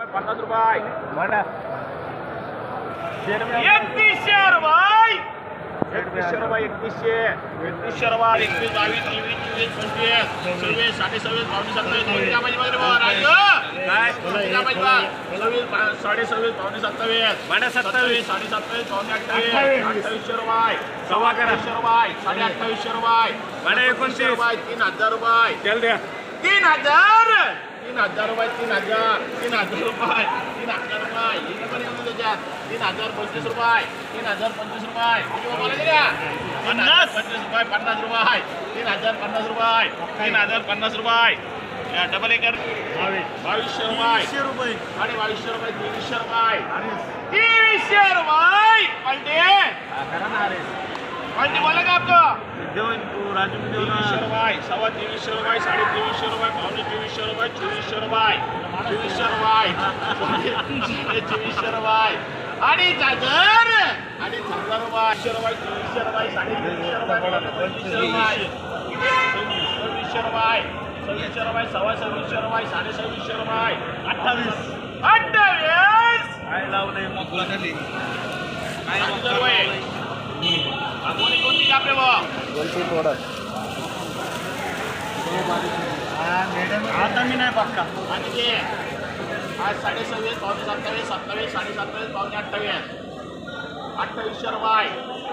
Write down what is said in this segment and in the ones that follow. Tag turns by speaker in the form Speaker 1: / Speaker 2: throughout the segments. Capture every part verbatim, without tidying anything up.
Speaker 1: पन्नास रुपये एकतीसशे रुपये एकतीसशे रुपये एकतीसशे एकतीसशे रुपये एकवीस बावीस तेवीस चोवीस पंचवीस सव्वीस साडे सव्वीस पावणे सत्तावीस पाहिजे काय सव्वीस साडे सव्वीस पावणे सत्तावीस सत्तावीस साडे सत्तावीस पावणे अठ्ठावीस अठ्ठावीसशे रुपये सव्वा अठ्ठावीसशे रुपये साडे अठ्ठावीसशे रुपये एकोणतीसशे रुपये तीन हजार रुपये तीन हजार तीन हजार रुपये तीन हजार तीन हजार रुपये तीन हजार रुपये त्याच्यात तीन हजार पंचवीस रुपये तीन हजार पंचवीस रुपये पन्नास पंचवीस रुपये पन्नास रुपये तीन हजार पन्नास रुपये तीन हजार पन्नास रुपये डबल एकर बावीसशे रुपये रुपये साडे बावीसशे रुपये तेवीसशे रुपये तेवीसशे रुपये पलटे पलटे बोला का आपको तेवीसशे रुपये सव्वा तेवीसशे रुपये साडे तेवीसशे रुपये पावणे तेवीसशे रुपये चोवीसशे रुपये चोवीसशे रुपये चोवीसशे रुपये अडीच हजार अडीच हजार रुपये रुपये चोवीसशे रुपये साडे तेवीसशे रुपये पंचवीसशे रुपये सव्वीसशे रुपये सव्वीसशे रुपये सव्वा सव्वीसशे रुपये साडे सव्वीसशे रुपये अठ्ठावीस अठ्ठावीस काय लावलंय रुपये कोणी कोणती कापले आता मी नाही पक्का आणि ते आज साडे सव्वीस पावणे सत्तावीस सत्तावीस साडे सत्तावीस पावणे अठ्ठावीस अठ्ठावीसशे रुपये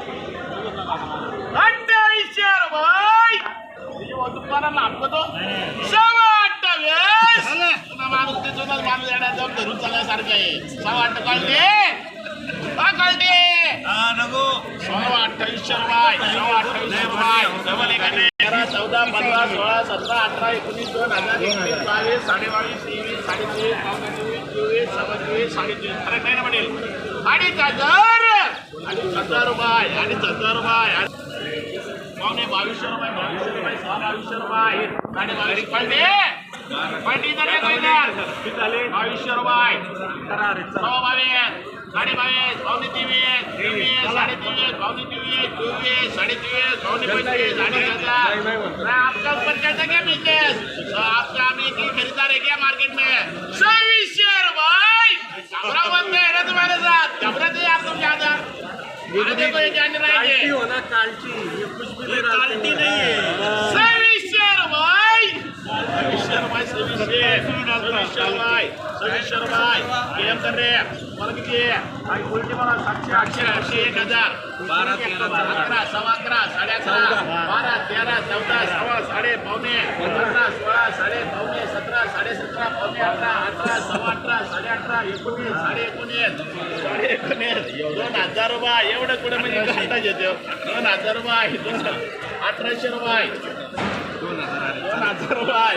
Speaker 1: अठ्ठावीसशे रुपये दुकानाला आपतो सव्वा अठ्ठावीस माणूस ते जुनाच माणूस येण्यात जाऊन धरून चालण्यासारखं आहे सव्वा अठ्ठावीस कळते सव्वा अठ्ठावीसशे रुपये सव्वा अठ्ठावीसशे रुपये डबल एकाने तेरा चौदा पंधरा सोळा सतरा अठरा एकोणीस दोन हजार एकवीस बावीस साडे बावीस तेवीस साडे तेवीस पावणे चोवीस चोवीस सव्वा चोवीस साडे चोवीस फरक नाही ना म्हणेल अडीच हजार अडीच हजार रुपये अडीच हजार रुपये पावणे बावीसशे रुपये बावीसशे रुपये सहा बावीसशे रुपये साडे बावीस पलटे पलटी झाले बावीसशे रुपये सव्वा बावीस साडे बावीस पावणे तेवीस तेवीस साडे तेवीस पावणे तेवीस चोवीस साडे तेवीस पावणे पंचवीस अडीच हजार आपका ऊपर कैसा क्या बिजनेस आपका हम एक ही खरीदार है क्या मार्केट में सव्वीसशे रुपये घबरा बनते हैं ना तुम्हारे साथ घबराते हैं आप तुम ज्यादा देखो ये जाने रहेंगे क्वालिटी नहीं है सव्वीसशे रुपये सव्वीसशे रुपये सव्वीसशे सव्वीसशे रुपये सव्वीसशे रुपये गेम कर रहे मला किती काही उलटी मला सातशे आठशे आठशे एक हजार बारा अकरा सव्वा अकरा साडे अकरा बारा तेरा चौदा सव्वा साडे पावणे पंधरा सोळा साडे पावणे सतरा साडे सतरा पावणे अठरा अठरा सव्वा अठरा साडे अठरा एकोणीस साडे एकोणीस साडे एकोणीस दोन हजार रुपये एवढं कुठं म्हणजे घाटा घेतो दोन हजार रुपये दोन अठराशे रुपये दोन हजार रुपये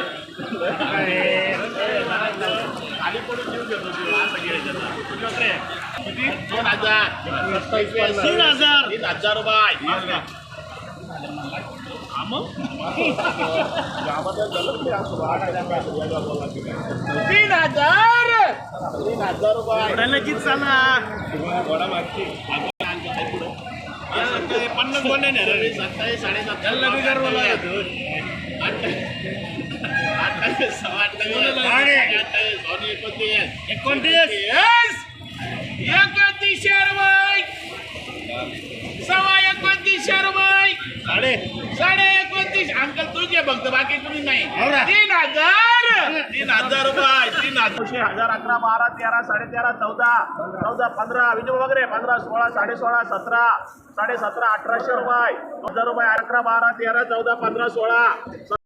Speaker 1: खाली पडून घेऊन घेतो असं घ्यायचं किती दोन हजार तीन हजार तीन हजार रुपये तीन हजार तीन हजार रुपये नक्कीच चाला पन्नास बोलले ना सत्तावीस साडे सत्तावीस अठ्ठावीस सव्वा अठ्ठावीस एकोणतीस एकोणतीस एकोणतीसशे रुपये सव्वा एकोणतीसशे रुपये साडे साडे एकोणतीस अंकल तुझे बघतो बाकी कुणी नाही तीन हजार तीन हजार रुपये तीन हजार हजार अकरा बारा तेरा साडे तेरा चौदा चौदा पंधरा विजय वगैरे पंधरा सोळा साडे सोळा सतरा साडे सतरा अठराशे रुपये हजार रुपये अकरा बारा तेरा चौदा पंधरा सोळा